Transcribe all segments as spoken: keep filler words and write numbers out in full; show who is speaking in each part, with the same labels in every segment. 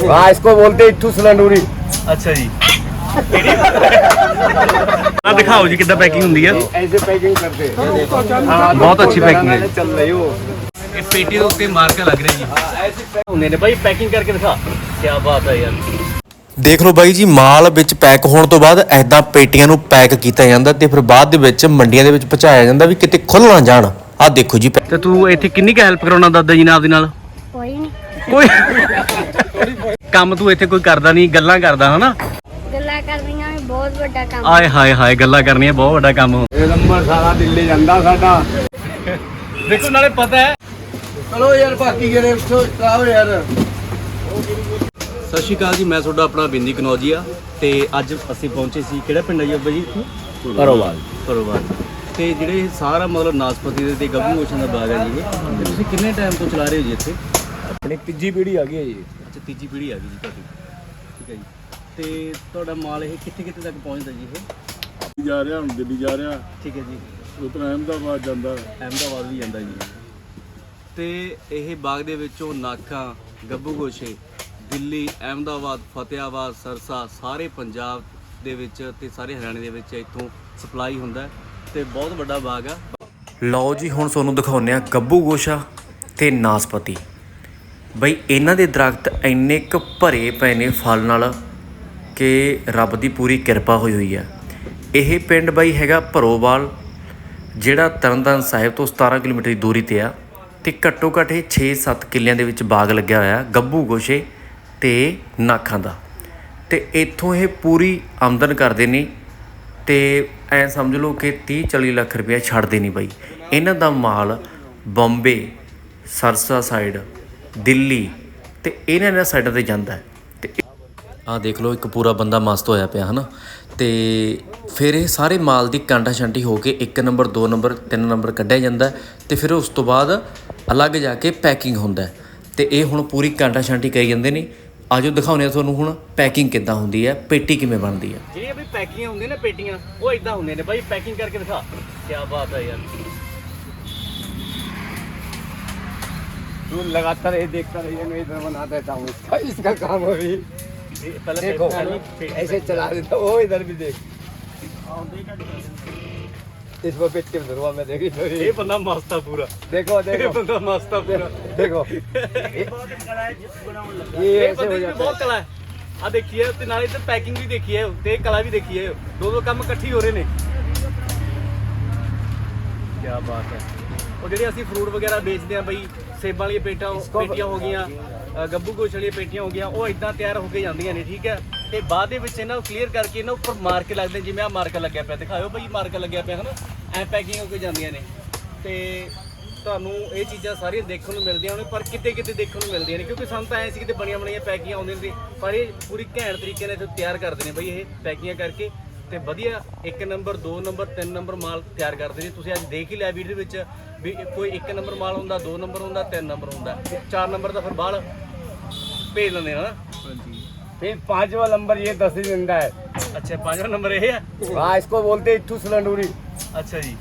Speaker 1: हाँ इसको बोलते हैं इट्ठू सिलंडूरी।
Speaker 2: अच्छा जी आ दिखाओ जी कितना पैकिंग होंगी है।
Speaker 1: ऐसे पैकिंग करते हैं।
Speaker 2: बहुत अच्छी पैकिंग है।
Speaker 1: चल रही हो
Speaker 2: ये पेटी के उत्ते मार्का लग रहा है जी। ऐसे होंगे ने भाई पैकिंग करके दिखा। क्या बात है यार।
Speaker 3: ਦੇਖ ਲਓ ਬਾਈ ਜੀ ਮਾਲ ਵਿੱਚ ਪੈਕ ਹੋਣ ਤੋਂ ਬਾਅਦ ਐਦਾਂ ਪੇਟੀਆਂ ਨੂੰ ਪੈਕ ਕੀਤਾ ਜਾਂਦਾ ਤੇ ਫਿਰ ਬਾਅਦ ਦੇ ਵਿੱਚ ਮੰਡੀਆਂ ਦੇ ਵਿੱਚ ਪਹੁੰਚਾਇਆ ਜਾਂਦਾ ਵੀ ਕਿਤੇ ਖੁੱਲ ਨਾ ਜਾਣ। ਆਹ ਦੇਖੋ ਜੀ।
Speaker 2: ਤੇ ਤੂੰ ਇੱਥੇ ਕਿੰਨੀ ਕੁ ਹੈਲਪ ਕਰਾਉਣਾ ਦਾਦਾ ਜੀ ਨਾਲ ਆਪਦੇ ਨਾਲ?
Speaker 4: ਕੋਈ ਨਹੀਂ
Speaker 2: ਕੋਈ ਕੰਮ ਤੂੰ ਇੱਥੇ ਕੋਈ ਕਰਦਾ ਨਹੀਂ, ਗੱਲਾਂ ਕਰਦਾ ਹਨਾ?
Speaker 4: ਗੱਲਾਂ ਕਰਨੀਆਂ ਵੀ ਬਹੁਤ ਵੱਡਾ ਕੰਮ।
Speaker 2: ਆਏ ਹਾਏ ਹਾਏ ਗੱਲਾਂ ਕਰਨੀਆਂ ਬਹੁਤ ਵੱਡਾ ਕੰਮ ਹੋ।
Speaker 1: ਇਹ ਨੰਬਰ ਸਾਰਾ ਦਿੱਲੀ ਜਾਂਦਾ ਸਾਡਾ।
Speaker 2: ਦੇਖੋ ਨਾਲੇ ਪਤਾ ਹੈ।
Speaker 1: ਚਲੋ ਯਾਰ ਬਾਕੀ ਜਿਹੜੇ ਉੱਥੋਂ ਚਲਾਓ ਯਾਰ।
Speaker 2: ਸਤਿ ਸ਼੍ਰੀ ਅਕਾਲ ਜੀ, ਮੈਂ ਤੁਹਾਡਾ ਆਪਣਾ ਬਿੰਦੀ ਕਨੌਜੀਆ ਤੇ ਅੱਜ ਅਸੀਂ ਪਹੁੰਚੇ ਸੀ ਕਿਹੜਾ ਪਿੰਡ ਹੈ ਜੀ ਅੱਬਾ ਜੀ?
Speaker 1: ਪਰੋਵਾਲ।
Speaker 2: ਪਰੋਵਾਲ। ਤੇ ਜਿਹੜੇ ਸਾਰਾ ਮਤਲਬ ਨਾਸਪਤੀ ਦੇ ਤੇ ਗੱਭੂ ਗੋਸ਼ਿਆਂ ਦਾ ਬਾਗ ਹੈ ਜੀ ਇਹ, ਤੇ ਤੁਸੀਂ ਕਿੰਨੇ ਟਾਈਮ ਤੋਂ ਚਲਾ ਰਹੇ ਹੋ ਜੀ ਇੱਥੇ?
Speaker 1: ਆਪਣੀ ਤੀਜੀ ਪੀੜ੍ਹੀ ਆ ਗਈ ਹੈ ਜੀ।
Speaker 2: ਅੱਛਾ ਤੀਜੀ ਪੀੜ੍ਹੀ ਆ ਗਈ ਜੀ ਤੁਹਾਡੀ, ਠੀਕ ਹੈ ਜੀ। ਤੇ ਤੁਹਾਡਾ ਮਾਲ ਇਹ ਕਿੱਥੇ ਕਿੱਥੇ ਤੱਕ ਪਹੁੰਚਦਾ ਜੀ ਇਹ?
Speaker 5: ਜਾ ਰਿਹਾ ਹੁਣ ਦਿੱਲੀ ਜਾ ਰਿਹਾ,
Speaker 2: ਠੀਕ ਹੈ ਜੀ।
Speaker 5: ਉਧਰ ਅਹਿਮਦਾਬਾਦ ਜਾਂਦਾ।
Speaker 2: ਅਹਿਮਦਾਬਾਦ ਵੀ ਜਾਂਦਾ ਜੀ। ਤੇ ਇਹ ਬਾਗ ਦੇ ਵਿੱਚੋਂ ਨਾਖਾਂ, ਗੱਭੂ ਗੋਸ਼ੇ ਦਿੱਲੀ, ਅਹਿਮਦਾਬਾਦ, ਫਤਿਆਬਾਦ, ਸਰਸਾ ਸਾਰੇ ਪੰਜਾਬ ਦੇ ਵਿੱਚ ਤੇ ਸਾਰੇ ਹਰਿਆਣੇ ਦੇ ਵਿੱਚ ਇੱਥੋਂ ਸਪਲਾਈ ਹੁੰਦਾ ਤੇ ਬਹੁਤ ਵੱਡਾ ਬਾਗ ਆ।
Speaker 3: ਲਓ ਜੀ ਹੁਣ ਤੁਹਾਨੂੰ ਦਿਖਾਉਂਦੇ ਆ ਗੱਭੂ ਗੋਸ਼ਾ ਤੇ ਨਾਸਪਤੀ। ਬਈ ਇਹਨਾਂ ਦੇ ਦਰਖਤ ਇੰਨੇ ਕੁ ਭਰੇ ਪਏ ਨੇ ਫਲ ਨਾਲ ਕਿ ਰੱਬ ਦੀ ਪੂਰੀ ਕਿਰਪਾ ਹੋਈ ਹੋਈ ਆ। ਇਹ ਪਿੰਡ ਬਈ ਹੈਗਾ ਭਰੋਵਾਲ, ਜਿਹੜਾ ਤਰਨਤਾਰਨ ਸਾਹਿਬ ਤੋਂ ਸਤਾਰਾਂ ਕਿਲੋਮੀਟਰ ਦੀ ਦੂਰੀ ਤੇ ਆ ਤੇ ਘੱਟੋ ਘੱਟ ਇਹ ਛੇ ਸੱਤ ਕਿੱਲਿਆਂ ਦੇ ਵਿੱਚ ਬਾਗ ਲੱਗਿਆ ਹੋਇਆ ਗੱਭੂ ਗੋਸ਼ੇ ਤੇ ਨਾਖਾਂ ਦਾ। ਤੇ ਇੱਥੋਂ ਇਹ ਪੂਰੀ ਆਮਦਨ ਕਰਦੇ ਨੇ ਤੇ ਐ ਸਮਝ ਲਓ ਕਿ ਤੀਹ ਚਾਲੀ ਲੱਖ ਰੁਪਇਆ ਛੱਡਦੇ ਨਹੀਂ ਬਾਈ। ਇਹਨਾਂ ਦਾ ਮਾਲ ਬੰਬੇ, ਸਰਸਾ ਸਾਈਡ, ਦਿੱਲੀ ਤੇ ਇਹਨਾਂ ਇਹਨਾਂ ਸਾਈਡਾਂ 'ਤੇ ਜਾਂਦਾ ਹੈ। ਤੇ ਆਹ ਦੇਖ ਲਓ ਇੱਕ ਪੂਰਾ ਬੰਦਾ ਮਸਤ ਹੋਇਆ ਪਿਆ ਹੈ ਨਾ। ਤੇ ਫਿਰ ਇਹ ਸਾਰੇ ਮਾਲ ਦੀ ਕਾਂਟਾ ਛਾਂਟੀ ਹੋ ਕੇ ਇੱਕ ਨੰਬਰ, ਦੋ ਨੰਬਰ, ਤਿੰਨ ਨੰਬਰ ਕੱਢਿਆ ਜਾਂਦਾ ਤੇ ਫਿਰ ਉਸ ਤੋਂ ਬਾਅਦ ਅਲੱਗ ਜਾ ਕੇ ਪੈਕਿੰਗ ਹੁੰਦਾ। ਤੇ ਇਹ ਹੁਣ ਪੂਰੀ ਕਾਂਟਾ ਛਾਂਟੀ ਕਰੀ ਜਾਂਦੇ ਨੇ। ਆਜੋ ਦਿਖਾਉਂਦੇ ਆ ਤੁਹਾਨੂੰ ਹੁਣ ਪੈਕਿੰਗ ਕਿੱਦਾਂ ਹੁੰਦੀ ਹੈ, ਪੇਟੀ ਕਿਵੇਂ ਬਣਦੀ ਹੈ।
Speaker 2: ਜਿਹੜੀਆਂ ਵੀ ਪੈਕਿੰਗਾਂ ਹੁੰਦੀਆਂ ਨੇ ਪੇਟੀਆਂ ਉਹ ਇਦਾਂ ਹੁੰਦੀਆਂ ਨੇ ਬਾਈ। ਪੈਕਿੰਗ ਕਰਕੇ ਦਿਖਾ। ਕੀ ਬਾਤ ਹੈ ਯਾਰ।
Speaker 1: तू लगातार ये देखता रहिए, मैं इधर बना देता हूँ इसका इसका काम अभी।
Speaker 2: पहले
Speaker 1: देखो
Speaker 2: पहले-
Speaker 1: ऐसे चला देता वो इधर भी देख। इस पर पेट के धरवा में देखी तो
Speaker 2: ਇਹ ਬੰਦਾ ਮਸਤ ਆ ਪੂਰਾ।
Speaker 1: देखो
Speaker 2: ਇਹ
Speaker 1: देखो
Speaker 2: ਬੰਦਾ ਮਸਤ ਆ ਪੂਰਾ।
Speaker 1: देखो ये
Speaker 2: ਇਹ
Speaker 1: ऐसे
Speaker 2: ਬੰਦੇ
Speaker 1: हो
Speaker 2: ਦੀ
Speaker 1: जाता
Speaker 2: ਬਹੁਤ
Speaker 1: है।
Speaker 2: ਕਲਾ ਹੈ। ਆ ਦੇਖੀਏ ਤੇ ਨਾਲੇ ਤੇ ਪੈਕਿੰਗ ਵੀ ਦੇਖੀਏ ਤੇ ਕਲਾ ਵੀ ਦੇਖੀਏ। ਦੋ ਦੋ ਕੰਮ ਇਕੱਠੀ ਹੋ ਰਹੇ ਨੇ। ਕੀ ਬਾਤ ਹੈ। ਉਹ ਜਿਹੜੇ ਅਸੀਂ ਫਰੂਟ ਵਗੈਰਾ ਵੇਚਦੇ ਆ ਬਈ, ਸੇਬਾਂ ਵਾਲੀਆਂ ਪੇਟਾਂ ਪੇਟੀਆਂ ਹੋ ਗਈਆਂ, ਅ, ਗੱਭੂ ਗੋਸ਼ ਵਾਲੀਆਂ ਪੇਟੀਆਂ ਹੋ ਗਈਆਂ, ਉਹ ਇਦਾਂ ਤਿਆਰ ਹੋ ਕੇ ਜਾਂਦੀਆਂ ਨੇ, ਠੀਕ ਹੈ। ਤੇ ਬਾਅਦ ਦੇ ਵਿੱਚ ਇਹਨਾਂ ਨੂੰ ਕਲੀਅਰ ਕਰਕੇ ਇਹਨਾਂ ਉੱਪਰ ਮਾਰ ਕੇ ਲੱਗਦੇ, ਜਿਵੇਂ ਆ ਮਾਰਕਾ ਲੱਗਿਆ ਪਿਆ, ਦਿਖਾਓ ਬਈ ਮਾਰਕਾ ਲੱਗਿਆ ਪਿਆ ਹਨਾ। ਐ ਪੈਕਿੰਗ ਹੋ ਕੇ ਜਾਂਦੀਆਂ ਨੇ ਤੇ ਤੁਹਾਨੂੰ ਇਹ ਚੀਜ਼ਾਂ ਸਾਰੀਆਂ ਦੇਖਣ ਨੂੰ ਮਿਲਦੀਆਂ ਨੇ, ਪਰ ਕਿਤੇ ਕਿਤੇ ਦੇਖਣ ਨੂੰ ਮਿਲਦੀਆਂ ਨੇ ਕਿਉਂਕਿ ਸਾਨੂੰ ਤਾਂ ਐ ਸੀ ਕਿਤੇ ਬਣੀਆਂ ਬਣੀਆਂ ਪੈਕਿੰਗਾਂ ਆਉਂਦੀਆਂ ਨੇ, ਪਰ ਇਹ ਪੂਰੀ ਘੈਂਟ ਤਰੀਕੇ ਨਾਲ ਇੱਥੇ ਤਿਆਰ ਕਰਦੇ ਨੇ ਬਈ ਇਹ ਪੈਕਿੰਗਾਂ ਕਰਕੇ ਤੇ ਵਧੀਆ ਇੱਕ ਨੰਬਰ, ਦੋ ਨੰਬਰ, ਤਿੰਨ ਨੰਬਰ ਮਾਲ ਤਿਆਰ ਕਰਦੇ ਨੇ। ਤੁਸੀਂ ਅੱਜ ਦੇਖ ਹੀ ਲਿਆ ਵੀਡੀਓ ਵਿੱਚ ਵੀ ਕੋਈ ਇੱਕ ਨੰਬਰ ਮਾਲ ਹੁੰਦਾ, ਦੋ ਨੰਬਰ ਹੁੰਦਾ, ਤਿੰਨ ਨੰਬਰ ਹੁੰਦਾ, ਚਾਰ ਨੰਬਰ ਦਾ ਫਿਰ ਬਾਹਰ ਭੇਜ ਲੈਂਦੇ ਨਾ।
Speaker 1: फिर पांचवा नंबर ये दस ही जिंदा है।
Speaker 2: ਅੱਛਾ ਪੰਜਵਾਂ ਨੰਬਰ ਇਹ ਹੈ।
Speaker 1: हाँ इसको बोलते हैं इट्ठू सिलंडूरी।
Speaker 2: ਅੱਛਾ ਜੀ।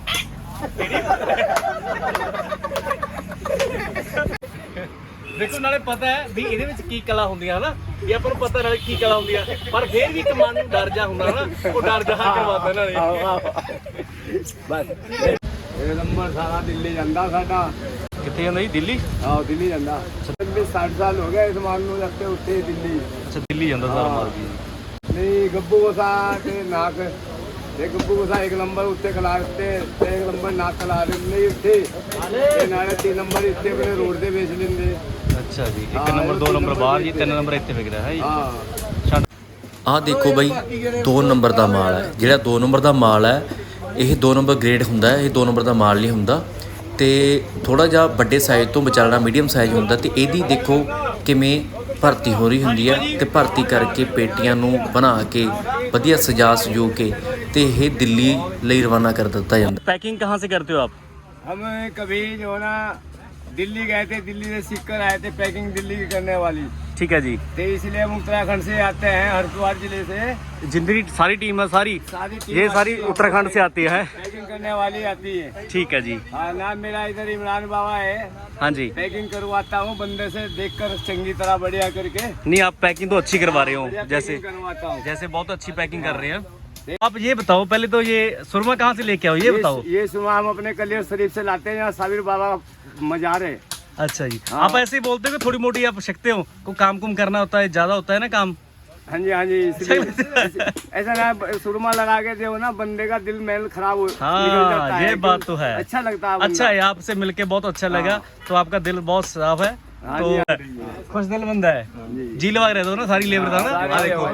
Speaker 2: ਦੇਖੋ ਨਾਲੇ ਪਤਾ ਹੈ ਵੀ ਇਹਦੇ ਵਿੱਚ ਕੀ ਕਲਾ ਹੁੰਦੀਆਂ ਹਨਾ, ਵੀ ਆਪਾਂ ਨੂੰ ਪਤਾ ਨਾਲੇ ਕੀ ਕਲਾ ਹੁੰਦੀ ਆ, ਪਰ ਫੇਰ ਵੀ ਇੱਕ ਮਨ ਨੂੰ ਡਰ ਜਾ ਹੁੰਦਾ ਹਨਾ, ਉਹ ਡਰ ਜਾ ਕਰਵਾਉਂਦਾ ਨਾਲੇ।
Speaker 1: बस ये नंबर सारा दिल्ली ਜਾਂਦਾ ਸਾਡਾ।
Speaker 2: ਕਿੱਥੇ ਜਾਂਦਾ ਜੀ? ਦਿੱਲੀ।
Speaker 1: ਆਹ ਦਿੱਲੀ ਜਾਂਦਾ। ਵੀ साठ साल हो गए इस माल ਨੂੰ ਰੱਖते ਉੱਤੇ ਦਿੱਲੀ।
Speaker 2: ਅੱਛਾ ਦਿੱਲੀ ਜਾਂਦਾ ਸਾਰਾ ਮਾਲ ਜੀ।
Speaker 1: ਨਹੀਂ ਗੱਭੂ ਗੋਸਾ ਤੇ ਨਾਕ ਇਹ ਗੱਭੂ ਗੋਸਾ ਇੱਕ ਨੰਬਰ ਉੱਤੇ ਖਲਾ ਦਿੱਤੇ ਤੇ ਇੱਕ ਨੰਬਰ ਨਾਕ ਖਲਾ ਦਿੰਦੇ ਉੱਤੇ ਤੇ ਨਾਲੇ ਤਿੰਨ ਨੰਬਰ ਇੱਥੇ ਆਪਣੇ ਰੋਡ ਤੇ ਵੇਚ ਲੈਂਦੇ।
Speaker 2: ਅੱਛਾ ਜੀ। ਇੱਕ ਨੰਬਰ, ਦੋ ਨੰਬਰ ਬਾਹਰ ਜੀ, ਤਿੰਨ ਨੰਬਰ ਇੱਥੇ ਵਿਕਦਾ ਹੈ ਜੀ।
Speaker 1: ਹਾਂ
Speaker 3: ਆਹ ਦੇਖੋ ਬਾਈ ਦੋ ਨੰਬਰ ਦਾ ਮਾਲ ਹੈ। ਜਿਹੜਾ ਦੋ ਨੰਬਰ ਦਾ ਮਾਲ ਹੈ ਇਹ ਦੋ ਨੰਬਰ ਗ੍ਰੇਡ ਹੁੰਦਾ ਹੈ, ਇਹ ਦੋ ਨੰਬਰ ਦਾ ਮਾਲ ਨਹੀਂ ਹੁੰਦਾ ਤੇ ਥੋੜਾ ਜਿਹਾ ਵੱਡੇ ਸਾਈਜ਼ ਤੋਂ ਵਿਚਾਲਣਾ ਮੀਡੀਅਮ ਸਾਈਜ਼ ਹੁੰਦਾ। ਤੇ ਇਹਦੀ ਦੇਖੋ ਕਿਵੇਂ ਭਰਤੀ ਹੋ ਰਹੀ ਹੁੰਦੀ ਹੈ ਤੇ ਭਰਤੀ ਕਰਕੇ ਪੇਟੀਆਂ ਨੂੰ ਬਣਾ ਕੇ ਵਧੀਆ ਸਜਾ ਸਜੋ ਕੇ ਤੇ ਇਹ ਦਿੱਲੀ ਲਈ ਰਵਾਨਾ ਕਰ ਦਿੱਤਾ ਜਾਂਦਾ।
Speaker 2: पैकिंग कहाँ से करते हो आप?
Speaker 1: हम कभी जो है ना दिल्ली गए थे, दिल्ली से सीख कर आए थे पैकिंग दिल्ली की करने वाली,
Speaker 2: ठीक है जी।
Speaker 1: तो इसलिए हम उत्तराखंड से आते हैं, हरिद्वार जिले से।
Speaker 2: जिंदगी सारी टीम है सारी
Speaker 1: सारी टीम
Speaker 2: ये सारी
Speaker 1: आती है,
Speaker 2: उत्तराखंड से आती है।
Speaker 1: पैकिंग करने वाली आती है।
Speaker 2: ठीक है जी।
Speaker 1: हाँ, नाम मेरा इधर इमरान बाबा है।
Speaker 2: हाँ जी।
Speaker 1: पैकिंग करवाता हूँ बंदे से, देखकर चंगी तरह बढ़िया करके।
Speaker 2: नहीं, आप पैकिंग तो अच्छी करवा रहे हो,
Speaker 1: बढ़िया
Speaker 2: जैसे
Speaker 1: पैकिंग करवाता हूँ।
Speaker 2: जैसे बहुत अच्छी पैकिंग कर रहे हैं। आप ये बताओ पहले तो, ये सुरमा कहाँ से लेके आओ ये बताओ।
Speaker 1: ये सुबह हम अपने कलियर शरीफ से लाते हैं, यहाँ साबिर बाबा मजार है।
Speaker 2: अच्छा जी।
Speaker 1: हाँ।
Speaker 2: आप ऐसे ही बोलते हो कि थोड़ी मोटी आप सकते हो, को काम कुम करना होता है, ज्यादा होता है ना काम।
Speaker 1: हाँ जी, हाँ जी, इसलिए ऐसा ना सुरमा लगा के जो ना बंदे का दिल मैल खराब हो निकल जाता
Speaker 2: हाँ,
Speaker 1: है।
Speaker 2: ये बात तो है।
Speaker 1: अच्छा लगता है।
Speaker 2: अच्छा है, आपसे मिलके बहुत अच्छा लगा। तो आपका दिल बहुत साफ है,
Speaker 1: हाँ
Speaker 2: तो
Speaker 1: जी, हाँ जी।
Speaker 2: खुश दिल बंदा है। जी लगा रहे हो ना, सारी लेबर था ना।
Speaker 1: सारे
Speaker 2: हाँ, देखो।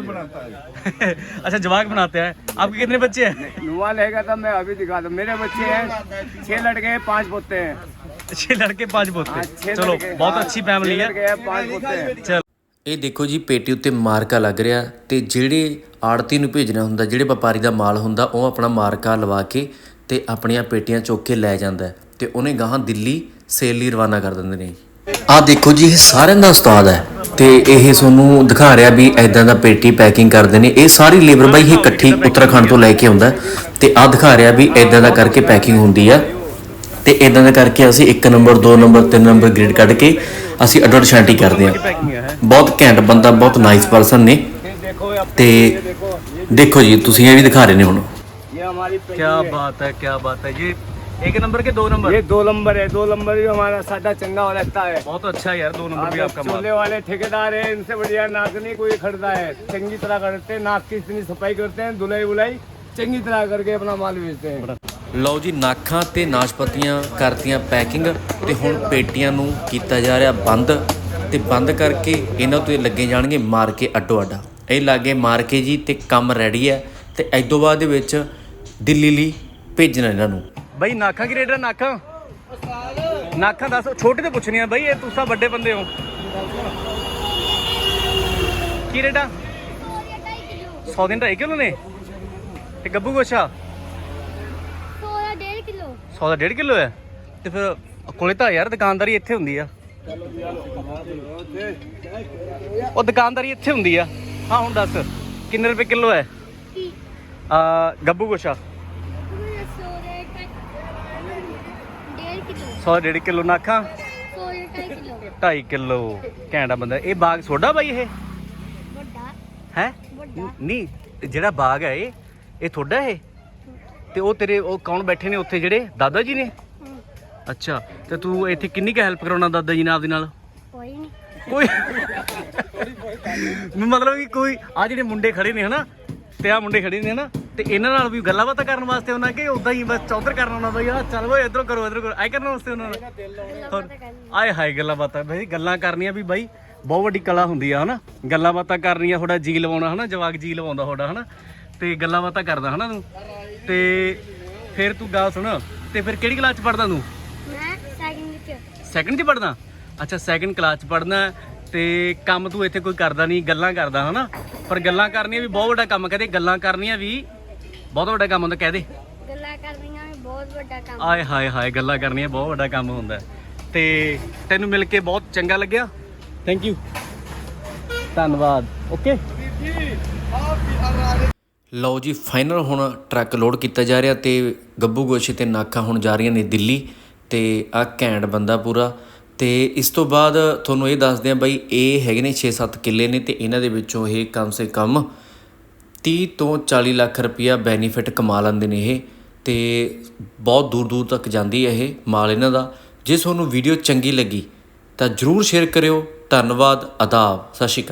Speaker 2: अच्छा, जवाक बनाते हैं। आपके कितने बच्चे हैं?
Speaker 1: नुआ लेगा तब मैं अभी दिखा दूँ। मेरे बच्चे हैं छह लड़के हैं, पांच पोते हैं।
Speaker 2: छह लड़के पांच
Speaker 1: हाँ,
Speaker 2: पोते।
Speaker 1: छह
Speaker 2: चलो,
Speaker 1: लड़के,
Speaker 2: बहुत
Speaker 1: हाँ,
Speaker 2: अच्छी फैमिली
Speaker 1: छह
Speaker 2: है।
Speaker 1: लड़के हैं, पांच पोते हैं।
Speaker 2: चल
Speaker 3: ਇਹ ਦੇਖੋ ਜੀ ਪੇਟੀ ਉੱਤੇ ਮਾਰਕਾ ਲੱਗ ਰਿਹਾ ਤੇ ਜਿਹੜੇ ਆੜਤੀ ਨੂੰ ਭੇਜਣਾ ਹੁੰਦਾ, ਜਿਹੜੇ ਵਪਾਰੀ ਦਾ ਮਾਲ ਹੁੰਦਾ, ਉਹ ਆਪਣਾ ਮਾਰਕਾ ਲਵਾ ਕੇ ਤੇ ਆਪਣੀਆਂ ਪੇਟੀਆਂ ਚੁੱਕ ਕੇ ਲੈ ਜਾਂਦਾ ਹੈ ਤੇ ਉਹਨੇ ਗਾਹਾਂ ਦਿੱਲੀ ਸੇਲ ਲਈ ਰਵਾਨਾ ਕਰ ਦਿੰਦੇ ਨੇ। ਆਹ ਦੇਖੋ ਜੀ, ਇਹ ਸਾਰਿਆਂ ਦਾ ਉਸਤਾਦ ਹੈ ਤੇ ਇਹ ਤੁਹਾਨੂੰ ਦਿਖਾ ਰਿਹਾ ਵੀ ਐਦਾਂ ਦਾ ਪੇਟੀ ਪੈਕਿੰਗ ਕਰਦੇ ਨੇ। ਇਹ ਸਾਰੀ ਲੇਬਰ ਬਾਈ ਇਹ ਇਕੱਠੀ ਉੱਤਰਾਖੰਡ ਤੋਂ ਲੈ ਕੇ ਆਉਂਦਾ ਤੇ ਆਹ ਦਿਖਾ ਰਿਹਾ ਵੀ ਐਦਾਂ ਦਾ ਕਰਕੇ ਪੈਕਿੰਗ ਹੁੰਦੀ ਆ ਤੇ ਇਦਾਂ ਦਾ ਕਰਕੇ ਅਸੀਂ ਇੱਕ ਨੰਬਰ ਦੋ ਨੰਬਰ ਤਿੰਨ ਨੰਬਰ ਗ੍ਰੇਡ ਕੱਢ ਕੇ ਅਸੀਂ ਅੱਡੋ ਅੱਡ ਛਾਂਟੀ ਕਰਦੇ ਹਾਂ। ਬਹੁਤ ਘੈਂਟ ਬੰਦਾ, ਬਹੁਤ ਨਾਈਸ ਪਰਸਨ ਨੇ। ਤੇ ਦੇਖੋ ਜੀ, ਤੁਸੀਂ ਇਹ ਵੀ ਦਿਖਾ ਰਹੇ ਨੇ ਹੁਣ।
Speaker 1: ये हमारी पैकिंग
Speaker 2: क्या
Speaker 1: है।
Speaker 2: बात है, क्या बात है। ये एक नंबर के दो नंबर
Speaker 1: ये दो नंबर है, दो नंबर भी हमारा सादा चंगा हो रहता है।
Speaker 2: बहुत अच्छा है यार, दो नंबर भी आपका माल।
Speaker 1: चूल्हे वाले ठेकेदार है, इनसे बढ़िया नाक नहीं कोई खरीदा है। चंगी तरह करते हैं, नाक की इतनी सफाई करते हैं, धुलाई बुलाई चंगी तरह करके अपना माल बेचते हैं।
Speaker 3: ਲਓ ਜੀ, ਨਾਖਾਂ ਤੇ ਨਾਸ਼ਪਤੀਆਂ ਕਰਤੀਆਂ ਪੈਕਿੰਗ ਤੇ ਹੁਣ ਪੇਟੀਆਂ ਨੂੰ ਕੀਤਾ ਜਾ ਰਿਹਾ ਬੰਦ ਤੇ ਬੰਦ ਕਰਕੇ ਇਹਨਾਂ ਤੋਂ ਲੱਗੇ ਜਾਣਗੇ ਮਾਰ ਕੇ ਅੱਡੋ ਅੱਡਾ। ਇਹ ਲਾਗੇ ਮਾਰ ਕੇ ਜੀ ਤੇ ਕੰਮ ਰੈਡੀ ਹੈ ਤੇ ਇਸ ਤੋਂ ਬਾਅਦ ਦੇ ਵਿੱਚ ਦਿੱਲੀ ਲਈ ਭੇਜਣਾ ਇਹਨਾਂ ਨੂੰ।
Speaker 2: ਬਈ ਨਾਖਾਂ ਕੀ ਰੇਟ ਹੈ? ਨਾਖਾਂ ਨਾਖਾਂ ਦੱਸ, ਛੋਟੇ ਤੇ ਪੁੱਛਣੀ ਆ ਬਈ, ਇਹ ਤੁਸੀਂ ਵੱਡੇ ਬੰਦੇ ਹੋ। ਕੀ ਰੇਟ ਆ? ਸੌ ਦਿਨ ਢਾਈ ਕਿਲੋ ਨੇ ਤੇ ਗੱਬੂ ਗੋਸ਼ਾ
Speaker 4: ਸੌ ਦਾ ਡੇਢ ਕਿਲੋ।
Speaker 2: ਸੌ ਦਾ ਡੇਢ ਕਿਲੋ ਹੈ। ਤੇ ਫਿਰ ਕੋਲੇ ਤਾਂ ਯਾਰ ਦੁਕਾਨਦਾਰੀ ਇੱਥੇ ਹੁੰਦੀ ਆ। ਉਹ ਦੁਕਾਨਦਾਰੀ ਇੱਥੇ ਹੁੰਦੀ ਆ। ਹਾਂ, ਹੁਣ ਦੱਸ ਕਿੰਨੇ ਰੁਪਏ ਕਿਲੋ ਹੈ
Speaker 4: ਕੀ
Speaker 2: ਆ ਗੱਬੂ ਗੋਸ਼ਾ?
Speaker 4: ਸੌ ਦਾ ਡੇਢ ਕਿਲੋ।
Speaker 2: ਸੌ ਡੇਢ ਕਿਲੋ ਨਾਖਾਂ
Speaker 4: ਸੌ ਦਾ ਢਾਈ ਕਿਲੋ।
Speaker 2: ਢਾਈ ਕਿਲੋ। ਘੈਂਟਾ ਬੰਦਾ। ਇਹ ਬਾਗ ਸੋਡਾ ਬਾਈ ਇਹ
Speaker 4: ਵੱਡਾ
Speaker 2: ਹੈ?
Speaker 4: ਵੱਡਾ
Speaker 2: ਨਹੀਂ, ਜਿਹੜਾ ਬਾਗ ਹੈ ਇਹ ਇਹ ਤੁਹਾਡਾ ਇਹ? ਤੇ ਉਹ ਤੇਰੇ ਉਹ ਕੌਣ ਬੈਠੇ ਨੇ ਉੱਥੇ, ਜਿਹੜੇ ਦਾਦਾ ਜੀ ਨੇ?
Speaker 4: ਹੂੰ,
Speaker 2: ਅੱਛਾ, ਤੇ ਤੂੰ ਇੱਥੇ ਕਿੰਨੀ ਕੁ ਹੈਲਪ ਕਰਾਉਣਾ ਦਾਦਾ ਜੀ ਨਾਲ ਆਪਦੇ ਨਾਲ?
Speaker 4: ਕੋਈ ਨਹੀਂ।
Speaker 2: ਕੋਈ ਮਤਲਬ ਕਿ ਕੋਈ ਆ ਜਿਹੜੇ ਮੁੰਡੇ ਖੜੇ ਨੇ ਹਨਾ, ਤੇ ਆ ਮੁੰਡੇ ਖੜੇ ਨੇ ਹਨਾ, ਤੇ ਇਹਨਾਂ ਨਾਲ ਵੀ ਗੱਲਾਂ ਬਾਤਾਂ ਕਰਨ ਵਾਸਤੇ ਉਹਨਾਂ ਕਿ ਉਦਾਂ ਹੀ ਬਸ ਚੌਧਰ ਕਰਨਾ ਉਹਨਾਂ ਦਾ ਯਾਰ, ਚੱਲ ਓਏ ਇਧਰੋਂ ਕਰੋ ਇਧਰੋਂ ਕਰੋ, ਆਈ ਕਰਨ ਵਾਸਤੇ ਉਹਨਾਂ ਨਾਲ ਆਏ ਹਾਏ ਗੱਲਾਂ ਬਾਤਾਂ। ਬਈ ਗੱਲਾਂ ਕਰਨੀਆਂ ਵੀ ਬਾਈ ਬਹੁਤ ਵੱਡੀ ਕਲਾ ਹੁੰਦੀ ਆ ਹਨਾ, ਗੱਲਾਂ ਬਾਤਾਂ ਕਰਨੀਆਂ, ਥੋੜਾ ਜੀ ਲਵਾਉਣਾ ਹਨਾ, ਜਵਾਕ ਜੀ ਲਵਾਉਂਦਾ ਥੋੜਾ ਹਨਾ, ਤੇ ਗੱਲਾਂ ਬਾਤਾਂ ਕਰਦਾ ਹਨਾ ਤੂੰ। ਤੇ ਫਿਰ ਤੂੰ ਗੱਲ ਸੁਣ, ਤੇ ਫਿਰ ਕਿਹੜੀ ਕਲਾਸ ਚ ਪੜਦਾ ਤੂੰ?
Speaker 4: ਮੈਂ ਸੈਕਿੰਡ ਵਿੱਚ।
Speaker 2: ਸੈਕਿੰਡ 'ਚ ਪੜਦਾ? ਅੱਛਾ, ਸੈਕਿੰਡ ਕਲਾਸ 'ਚ ਪੜਨਾ। ਤੇ ਕੰਮ ਤੂੰ ਇੱਥੇ ਕੋਈ ਕਰਦਾ ਨਹੀਂ, ਗੱਲਾਂ ਕਰਦਾ ਹਨਾ, ਪਰ ਗੱਲਾਂ ਕਰਨੀਆਂ ਵੀ ਬਹੁਤ ਵੱਡਾ ਕੰਮ। ਕਹਦੇ ਗੱਲਾਂ ਕਰਨੀਆਂ ਵੀ ਬਹੁਤ ਵੱਡਾ ਕੰਮ ਹੁੰਦਾ, ਕਹਦੇ
Speaker 4: ਗੱਲਾਂ ਕਰਨੀਆਂ ਵੀ ਬਹੁਤ ਵੱਡਾ ਕੰਮ।
Speaker 2: ਆਏ ਹਾਏ ਹਾਏ, ਗੱਲਾਂ ਕਰਨੀਆਂ ਬਹੁਤ ਵੱਡਾ ਕੰਮ ਹੁੰਦਾ। ਤੇ ਤੈਨੂੰ ਮਿਲ ਕੇ ਬਹੁਤ ਚੰਗਾ ਲੱਗਿਆ, ਥੈਂਕ ਯੂ, ਧੰਨਵਾਦ, ਓਕੇ।
Speaker 3: ਲਓ ਜੀ, ਫਾਈਨਲ ਹੁਣ ਟਰੱਕ ਲੋਡ ਕੀਤਾ ਜਾ ਰਿਹਾ ਤੇ ਗੱਬੂ ਗੋਸ਼ੇ ਤੇ ਨਾਖਾਂ ਹੁਣ ਜਾ ਰਹੀਆਂ ਨੇ ਦਿੱਲੀ। ਤੇ ਆਹ ਘੈਂਟ ਬੰਦਾ ਪੂਰਾ। ਤੇ ਇਸ ਤੋਂ ਬਾਅਦ ਤੁਹਾਨੂੰ ਇਹ ਦੱਸਦੇ ਹਾਂ ਬਾਈ, ਇਹ ਹੈਗੇ ਨੇ ਛੇ ਸੱਤ ਕਿੱਲੇ ਨੇ ਤੇ ਇਹਨਾਂ ਦੇ ਵਿੱਚੋਂ ਇਹ ਕਮ ਸੇ ਕਮ ਤੀਹ ਤੋਂ ਚਾਲੀ ਲੱਖ ਰੁਪਈਆ ਬੈਨੀਫਿਟ ਕਮਾ ਲੈਂਦੇ ਨੇ ਇਹ। ਤੇ ਬਹੁਤ ਦੂਰ ਦੂਰ ਤੱਕ ਜਾਂਦੀ ਹੈ ਇਹ ਮਾਲ ਇਹਨਾਂ ਦਾ। ਜੇ ਤੁਹਾਨੂੰ ਵੀਡੀਓ ਚੰਗੀ ਲੱਗੀ ਤਾਂ ਜ਼ਰੂਰ ਸ਼ੇਅਰ ਕਰਿਓ। ਧੰਨਵਾਦ, ਆਦਾਬ, ਸਤਿ ਸ਼੍ਰੀ ਅਕਾਲ।